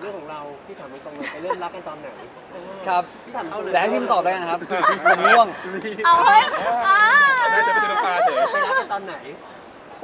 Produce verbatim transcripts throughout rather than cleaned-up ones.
เรื่องของเราพี่ถามตรงๆเลยไปเริ่มรักกันตอนไหนครับพี่ถามเขาเลยแต่ให้พิมพ์ตอบได้นะครับผมง่วงเอาเฮ้ยอ่าน่าจะเป็นน้ำปลาเฉยไปรักกันตอนไหนโห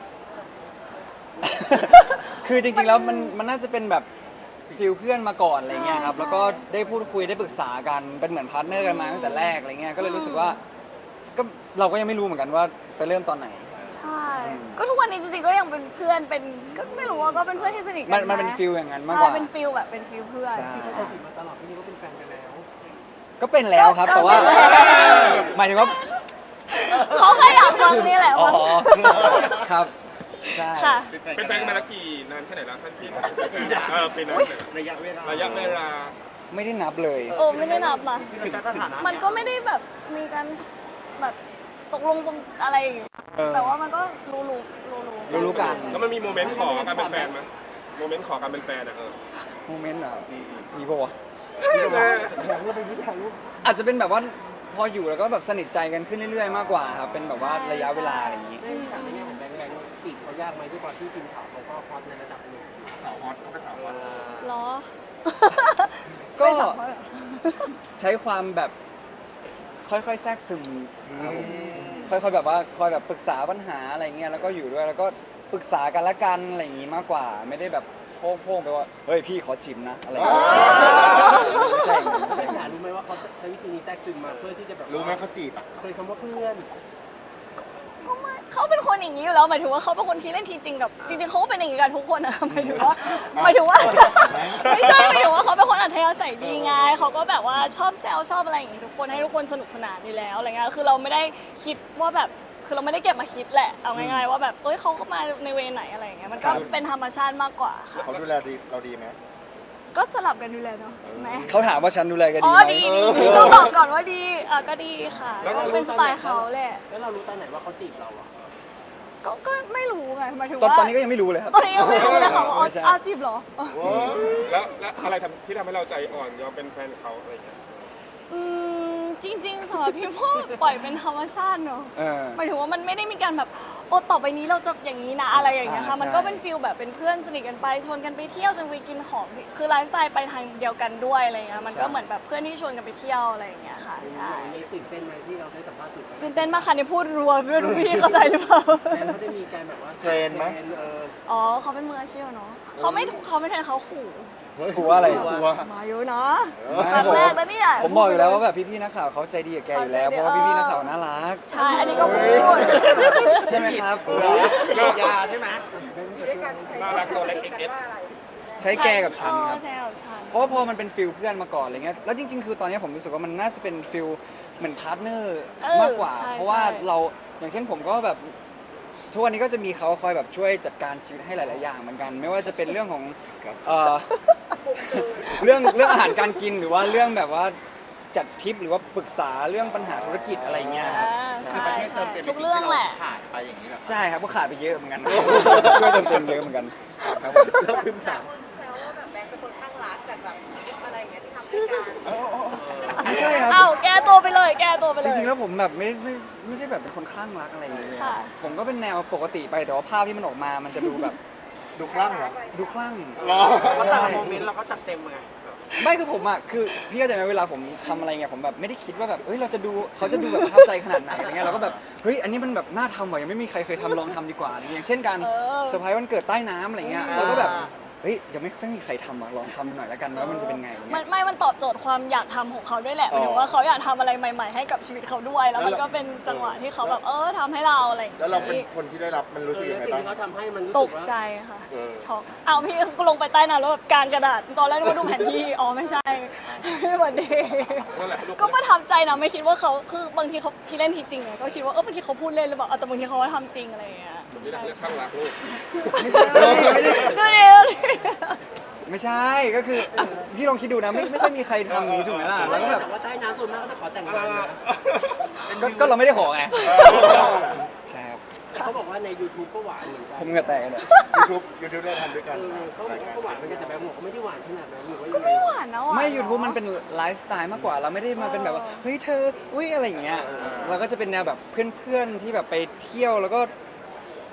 คือจริงๆแล้วมันมันน่าจะเป็นแบบฟิลเพื่อนมาก่อนอะไรเงี้ยครับแล้วก็ได้พูดคุยได้ปรึกษากันเป็นเหมือนพาร์ทเนอร์กันมาตั้งแต่แรกอะไรเงี้ยก็เลยรู้สึกว่าก็เราก็ยังไม่รู้เหมือนกันว่าไปเริ่มตอนไหนใช่ ก็ทุกวันนี้จริงๆก็ยังเป็นเพื่อนเป็นก็ไม่รู้ว่าก็เป็นเพื่อนที่สนิทกัมันนมันเป็นฟิลอย่างนั้นมากใช่กว่าเป็นฟิลแบบเป็นฟิลเพื่อนใช่พี่ชายติดมาตลอดพี่นี่ก็เป็นแฟนกันแล้วก็เป็นแล้วครับแต่ว่าหมายถึงว่าเขาแค่อยากฟังนี่แหละอ๋อว่าครับใช่ค่ะเป็นแฟนกันมาแล้วกี่นานแค่ไหนแล้วท่านพี่เออเป็นระยะเวลาระยะเวลาไม่ได้นับเลยโอ้ไม่ได้นับนะมันก็ไม่ได้แบบมีการแบบตกลงปรงอะไรอย่างเงี้ยเออแต่ว่ามันก็รู้รู้รู้รู้รู้ๆกันแล้วมันมีโมเมนต์ขอการเป็นแฟนไหมโมเมนต์ขอการเป็นแฟนอ่ะเออโมเมนต์อ่ะมีปะวะอยากรู้เป็นผู้ชายรู้อาจจะเป็นแบบว่าพออยู่แล้วก็แบบสนิทใจกันขึ้นเรื่อยๆมากกว่าครับเป็นแบบว่าระยะเวลาอะไรอย่างนี้เรื่องถามในแง่ของแบงค์แบงค์จีบเขายากไหมด้วยความที่ทีมข่าวเขาก็ฮอตในระดับหนึ่งสาวฮอตเขาเป็นสาวฮอตเหรอก็ไม่สัมภาษณ์เหรอใช้ความแบบค่อยๆแทรกซึมครับผมค่อยๆแบบว่าคอยแบบปรึกษาปัญหาอะไรเงี้ยแล้วก็อยู่ด้วยแล้วก็ปรึกษากันละกันอะไรอย่างงี้มากกว่า ไม่ได้แบบโพ่งๆไปว่าเฮ้ยพี่ขอชิมนะอะไรอย่างเงี้ยไม่ใช่อย่างนั้นไม่ใช่อย่างอยานั้กนรู้ไหมว่าเขาใช้วิธีนี้แทรกซึมมาเพื่อที่จะแบบรู้ไหมเขาจีบอ่ะเคยคำว่าเพื่อนก็ไม่เขาเป็นคนอย่างนี้อยู่แล้วหมายถึงว่าเขาเป็นคนที่เล่นทีจริงกับจริงๆเขาก็เป็นอย่างนี้กันทุกคนนะหมายถึงว่าหมายถึงว่าไม่ใช่หมายถึงว่าเขาเป็นคนอัธยาศัยดีไงเขาก็แบบว่าชอบแซวชอบอะไรอย่างงี้ทุกคนให้ทุกคนสนุกสนานอยู่แล้วอะไรเงี้ยคือเราไม่ได้คิดว่าแบบคือเราไม่ได้เก็บมาคิดแหละเอาง่ายๆว่าแบบเอ้ยเขาเข้ามาในเวไหนอะไรอย่างเงี้ยมันก็เป็นธรรมชาติมากกว่าค่ะเขาดูแลดีเราดีไหมก็สลับกันดูแลเนาะแหมเขาถามว่าฉันดูแลกันอ๋ดีอไหมดีดีดีต้องบอกก่อนว่าดีอ่ะก็ดีค่ะก็เป็นสไตล์เขาแหละแล้วเรารู้ตอนไหนว่าเขาจีบเราอ่ะก็ก็ไม่รู้ไงหมายถึงตอนว่าตอนนี้ก็ยังไม่รู้เลยครับตอนนี้ยังไม่รู้เลยค่ะว่าอ๋อไม่ใช่อาจีบเหรอแล้วแล้วอะไรทำที่ทำให้เราใจอ่อนยอมเป็นแฟนเขาอะไรอย่างเงี้ยอืมจริงๆสำหรับพี่พ่อปล่อยเป็นธรรมชาติเนอะเออหมายถึงว่ามันไม่ได้มีการแบบโอ้ต่อไปนี้เราจะอย่างนี้นะอะไรอย่างเงี้ยค่ะอ่ามันก็ใช่เป็นฟิลแบบเป็นเพื่อนสนิทกันไปชวนกันไปเที่ยวชวนไปกินของคือไลฟ์สไตล์ไปทางเดียวกันด้วยอะไรเงี้ยมันก็เหมือนแบบเพื่อนที่ชวนกันไปเที่ยวอะไรอย่างเงี้ยค่ะใช่ในตื่นเต้นไหมที่เราได้สัมภาษณ์สื่อไปตื่นเต้นมากค่ะนี่พูดรัวไม่รู้พี่เข้าใจหรือเปล่าแทนเขาได้มีการแบบว่าเทรนไหมเอออ๋อเขาเป็นมืออาชีพอะเนาะเขาไม่เขาไม่แทนเขาขู่กลัวอะไรมาเยอะนะไม่ครั้งแรกนะเนี่ยผมบอกอยู่แล้วว่าแบบพี่ๆนักข่าวเขาใจดีกับแกอยู่แล้วเพราะว่าพี่ๆนักข่าวน่ารักใช่อันนี้ก็พูดใช่ไหมครับยาใช่ไหมน่ารักตัวเล็กเอ็กเอสใช้แกกับฉันครับเออใช่กับฉันเพราะว่าพอมันเป็นฟิลเพื่อนมาก่อนอะไรเงี้ย แล้วจริงๆ คือตอนนี้ผมรู้สึกว่ามันน่าจะเป็นฟิลเหมือนพาร์ทเนอร์เออมากกว่าใช่เพราะว่าใช่เราอย่างเช่นผมก็แบบทุกวันนี้ก็จะมีเขาคอยแบบช่วยจัดการชีวิตให้หลาย ๆ อย่างเหมือนกัน ไม่ว่าจะเป็นเรื่องของเอ่อ เรื่องเรื่องอาหารการกินหรือว่าเรื่องแบบว่าจัดทริปหรือว่าปรึกษาเรื่องปัญหาธุรกิจอะไรเงี้ยครับอ่าใช่ใช่ใช่ทุกเรื่องแหละขาดไปอย่างนี้แหละใช่ครับก็ขาดไปเยอะเหมือนกัน ช่วยเติมเต็มเยอะเหมือนกันครับผมแล้วพิมพ์ถามคนแซวว่าแบบแบงค์เป็นคนข้างรักแต่แบบอะไรอย่างเงี้ยที่ทำด้วยกันไม่ใช่ครับเอ้าแก้ตัวไปเลย แก้ตัวไปเลยจริงๆ แล้วผมแบบไม่ไม่ไม่ได้แบบเป็นคนคลั่งรักอะไรอย่างเงี้ยค่ะผมก็เป็นแนวปกติไปแต่ว่าภาพที่มันออกมา มันจะดูแบบดูคลั่งเหรอดูคลั่งรอเพราะแต่ละโมเมนต์เราก็จัดเต็มไงไม่คือผมอ่ะคือพี่เข้าใจไหมเวลาผมทำอะไรเงี้ยผมแบบไม่ได้คิดว่าแบบเฮ้ยเราจะดูเขาจะดูแบบประทับใจขนาดไหนอะไรเงี้ยเราก็แบบเฮ้ยอันนี้มันแบบน่าทำว่ะยังไม่มีใครเคยทำลองทำดีกว่าอะไรเงี้ยอย่างเช่นการเออเซอร์ไพรส์วันเกิดใต้น้ำอะไรเงี้ยเราก็แบบเฮ้ยยังไม่ค่อยมีใครทำอ่ะลองทำหน่อยแล้วกันว่ามันจะเป็นไงอะไรมัเงี้นยไม่ มันตอบโจทย์ความอยากทำของเขาด้วยแหละหมายถึงว่าเขาอยากทำอะไรใหม่ ๆ ให้กับชีวิตเขาด้วย แล้วมันก็เป็นจังหวะที่เขาแบบเออทำให้เราอะไรอย่างแล้วเราเป็นงี้คนที่ได้รับมันรู้สึกเออยังไงสิ่งบ้างที่เขาทำให้มันรู้ตสึกกว่าใจค่ะเออช็อกเอาพี่ก็ลงไปใต้น้ำแล้วแบบกางกระดาษ ตอนแรกนึกว่าดูแผนที่ อ๋อไม่ใช่ไม่เหมือนเดย์นั่นแหละลูกก็ประทับใจนะไม่คิดว่าเขาคือบางทีเขาที่เล่นทีจริงไงก็คิดว่าเออบางทีเขาพูดเล่นหรือเปล่าเอาแต่บางทีเขาก็ทำจริงอะไรอย่างเงี้ยไม่ได้เรียกข้างรักลูกไม่ใช่ไม่ได้ดูดิดูดิไม่ใช่ก็คืออ่ะพี่ลองคิดดูนะไม่ไม่ค่อยมีใครทำอย่างนี้ถูกไหมล่ะแล้วก็แบบแต่ว่าใต้น้ำส่วนมากก็จะขอแต่งงานนะก็ก็เราไม่ได้ขอไงใช่ครับแต่เขาบอกว่าใน YouTube ก็หวานเหมือนกันผมเหงื่อแตกเลยยูทูบยูทูบได้ทำด้วยกันเออเขาบอกว่าก็หวานเหมือนกันแต่แบงค์บอกเขาไม่ได้หวานขนาดนั้นหรือว่าก็ยังไงไม่หวานนะหวานไม่เอะ YouTube มันเป็นไลฟ์สไตล์มากกว่า เราไม่ได้มาเป็นแบบว่า เฮ้ยเธอ อุ้ยอะไรอย่างเงี้ย เราก็จะเป็นแนวแบบเพื่อนๆ ที่แบบไปเที่ยวแล้วก็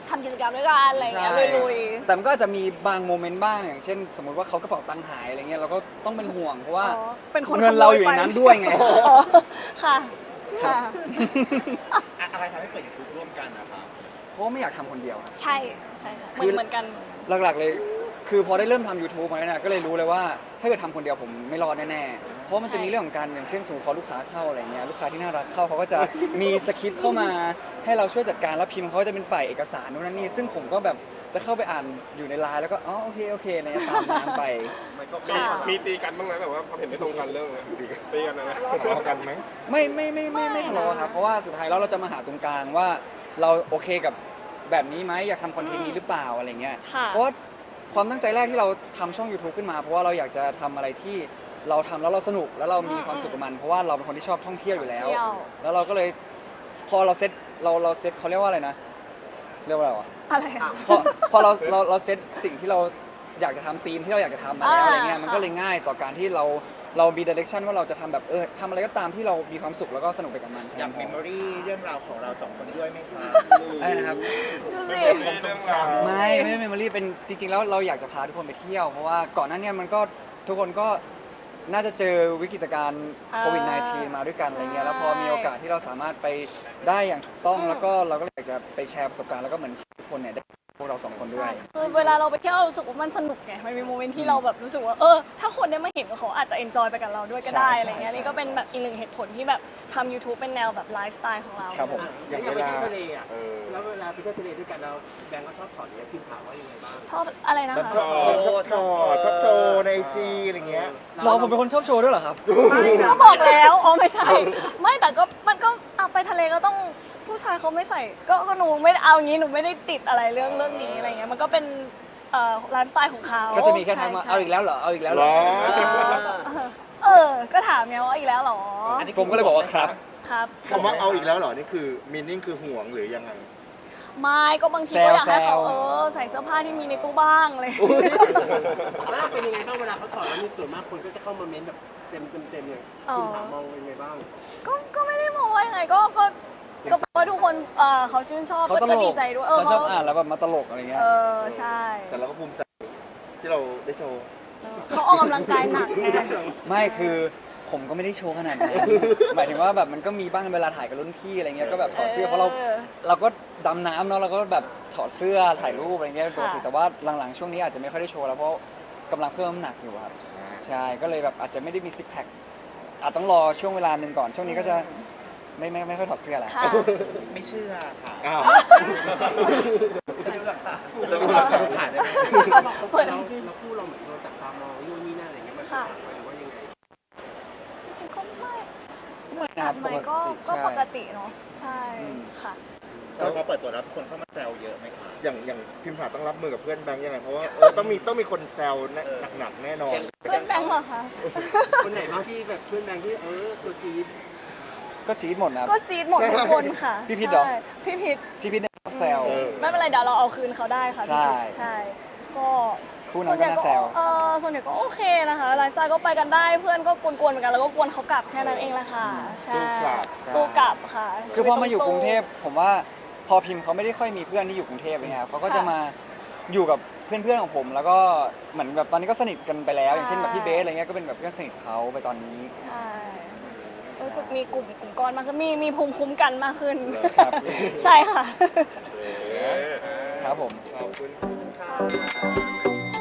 ทำกิจกรรมด้วยกันอะไรอย่างเงี้ยลุยแต่มันก็อาจจะมีบางโมเมนต์บ้างอย่างเช่น สมมติว่าเขากระเป๋าตังค์หายอะไรเงี้ยเราก็ต้องเป็นห่วงเพราะๆว่าอ๋อเป็นคนเงินเราอยู่ในนั้นด้วยไงอ๋อค่ะค่ะอะไรทำให้เปิดยูทูบร่วมกันนะครับเพราะว่าไม่อยากทำคนเดียวใช่ใช่ใช่เหมืคืออนเหมือนกันหลักๆเลย คือพอได้เริ่มทำ YouTube มาเนี่ยนะก็เลยรู้เลยว่าถ้าเกิดทำคนเดียวผมไม่รอดแน่ๆ เพราะมันจะมีเรื่องของการอย่างเช่นสมมติพอลูกค้าเข้าอะไรเงี้ยลูกค้าที่น่ารักเข้าเขาก็จะมีสคริปต์เข้ามาให้เราช่วยจัดการแล้วพิมพ์เขาจะเป็นฝ่ายเอกสารนู่นนั่นนี่ซึ่งผมก็แบบจะเข้าไปอ่านอยู่ในไลน์แล้วก็อ๋อโอเคโอเคอะไรเนี่ยตามน้ำไปมันก็มีค่ะมีตีกันบ้างไหมแบบว่าความเห็นไม่ตรงกันเรื่องอะไรตีกันอะไรทะเลาะกันไหมไม่ไม่ไม่ไม่ไม่ทะเลาะครับเพราะว่าสุดท้ายแล้วเราจะมาหาตรงกลางว่าเราโอเคกับแบบนี้ไหมอยากทำคอนเทนต์นี้หรือเปล่าอะไรเงี้ยค่ะเพราะว่าความตั้งใจแรกที่เราทำช่อง YouTube ขึ้นมา เพราะว่าเราอยากจะทำอะไรที่เราทำแล้วเราสนุกแล้วเรามีความสุขกับมัน เพราะว่าเราเป็นคนที่ชอบท่องเที่ยวอยู่แล้วเที่ยวแล้วเราก็เลยพอเราเซตเราเราเซตเขาเรียกว่าอะไรนะ เรียกว่าอะไรวะอะไรอะพอพอเราเราเราเซตสิ่งที่เราอยากจะทำธีมที่เราอยากจะทำมาแล้วอ่าอะไรเงี้ยมันก็ค่ะเลยง่ายต่อการที่เราเรามี direction ว่าเราจะทำแบบเออทำอะไรก็ตามที่เรามีความสุขแล้วก็สนุกไปกับมันอยากเมมโมรี่เรื่องราวของเราสองคนด้วยไหมครับได้นะครับดูสิเรื่องราวไม่ไม่เมมโมรี่เป็นจริง ๆ แล้วเราอยากจะพาทุกคนไปเที่ยว เพราะว่าก่อนหน้าเนี้มันก็ทุกคนก็น่าจะเจอวิกฤตการณ์อ่าโควิด สิบเก้า มาด้วยกันอะไรเงี้ยใช่แล้วพอมีโอกาสที่เราสามารถไปได้อย่างถูกต้องอืมแล้วก็เราก็อยากจะไปแชร์ประสบการณ์แล้วก็เหมือนทุกคนเนี่ยได้พวกเราสองคนด้วยคือเวลาเราไปเที่ยวเรารู้สึกว่ามันสนุกไง มันมีโมเมนต์ที่เราแบบรู้สึกว่าเออ ถ้าคนได้มาเห็นเขาอาจจะเอนจอยไปกับเราด้วยก็ได้ใช่อะไรเงี้ยใช่นี่ก็เป็นแบบอีกหนึ่งเหตุผลที่แบบทำ YouTube เป็นแนวแบบไลฟ์สไตล์ของเราครับผมอ่ะอย่างเวลาไปเที่ยวทะเลอ่ะเออแล้วเวลาไปเที่ยวทะเลด้วยกันเราแบงก์ก็ชอบถอดเนี่ยพิมพ์ถามว่ายังไงบ้างชอบอะไรนะคะชอบชอบชอบชอบโชว์ในไอจีอะไรเงี้ยเราผมเป็นคนชอบโชว์ด้วยเหรอครับก็บอกแล้วอ๋อไม่ใช่ ไม่แต่ก็มันก็เอาไปทะเลก็ต้องผู้ชายเขาไม่ใส่ ก็ก็หนูไม่ได้เอางี้หนูไม่ได้ติดอะไรเรื่องเรื่องนี้อะไรเงี้ยมันก็เป็นเอ่อไลฟ์สไตล์ของเขาก็จะมีแค่ทักมาใช่เอาอีกแล้วเหรอ เอาอีกแล้วเหหรรออเออ ก็ถามไงว่าอีกแล้วเหรอผมก็เลยบอกว่าครับครับคำว่าเอาอีกแล้วเหรอ นี่คือมีนิ่งคือห่วงหรือยังไงไม่ก็บางทีแซก็วอยากให้เขาแซวเออใส่เสื้อผ้าที่มีในตู้บ้างเลยว่าเป็นยังไงบ้างเวลาเขาถอดแล้วมีส่วนมากคนก็จะเข้ามาเม้นแบบเต็มเต็มเต็มเลยอ๋อพิมพ์ถามมองเป็นยังไงบ้างก็ก็ไม่ได้มองว่ายังไงก็ก็ก็เพราะว่าทุกคนเอ่อเขาชื่นชอบเขาตก็ลดีกใจด้วยเขาชอบอ่านแล้วแบบมาตลกอะไรเงี้ยเออใช่แต่เราก็ภูมิใจที่เราได้โชว์เขาออกกำลังกายหนักไงไม่คือผมก็ไม่ได้โชว์ขนาดนั้น หมายถึงว่าแบบมันก็มีบ้างเวลาถ่ายกับรุ่นพี่อะไรเงี้ยก็แบบถอดเสื้อเพราะเราเราก็ดำน้ำเนาะเราก็แบบถอดเสื้อถ่ายรูปอะไรเงี้ยปกติแต่ว่าหลังๆช่วงนี้อาจจะไม่ค่อยได้โชว์แล้วเพราะกำลังเพิ่มน้ำหนักอยู่ครับใช่ก็เลยแบบอาจจะไม่ได้มีซิกแพคอาจต้องรอช่วงเวลาหนึ่งก่อนช่วงนี้ก็จะไม่ไม่ไม่ค่อยถอดเสื้อแล้วค่ะไม่เชื่อค่ะ อ้าวจะดูหลักฐานจะดูหลักฐานได้ไหมเปิดเราไอจีเราพูดเราเหมือนโดนจับตามองนู่นนี่นั่นอะไรเงี้ยมันค่ะหรือว่ายังไงจริงๆก็ไม่ไม่นะครับไหมปก็กติก็ใช่ปกติเนาะใช่อืมค่ะแล้วพอเปิดตัวรับคนเข้ามาแซวเยอะไหมครับอย่างอย่างพิมพ์ถาต้องรับมือกับเพื่อนแบงค์ยังไง เพราะว่าเออต้องมีต้องมีคนแซวแน่หนักๆแน่นอนเพื่อนแบงค์เหรอคะคนไหนบ้างที่แบบเพื่อนแบงค์ที่เออตัวจี๊ดก็จี๊ดหมดนะครับก็จี๊ดหมดทุกคนค่ะพี่พิษเหรอใช่พี่พิษพี่พี่เนี่ยชอบแซวเออไม่เป็นไรเดี๋ยวเราเอาคืนเขาได้ค่ะใช่พี่พิษใช่ ก็คู่นั้นก็น่าแซวเออส่วนใหญ่ก็โอเคนะคะไลฟ์สไตล์ก็ไปกันได้เพื่อนก็กวนๆเหมือนกันแล้วก็กวนเขากลับแค่นั้นเองแหละค่ะใช่สู้กลับสู้กลับค่ะคือพอมาอยู่กรุงเทพชีวิตผมว่าพอพิมพ์เขาไม่ได้ค่อยมีเพื่อนที่อยู่กรุงเทพเลยครับเขาก็จะมาอยู่กับเพื่อนๆของผม แล้วก็เหมือนแบบตอนนี้ก็สนิทกันไปแล้ว อย่างเช่นแบบพี่เบสอะไรเงี้ยก็เป็นแบบเพื่อนสนิทเขาไปตอนนี้ต้องสู้ใช่รู้สึกมีกลุ่มกลุ่มก้อนมากขึ้นมีมีภูมิคุ้มกันมากขึ้นครับใช่ค่ะเออครับผมขอบคุณค่ะ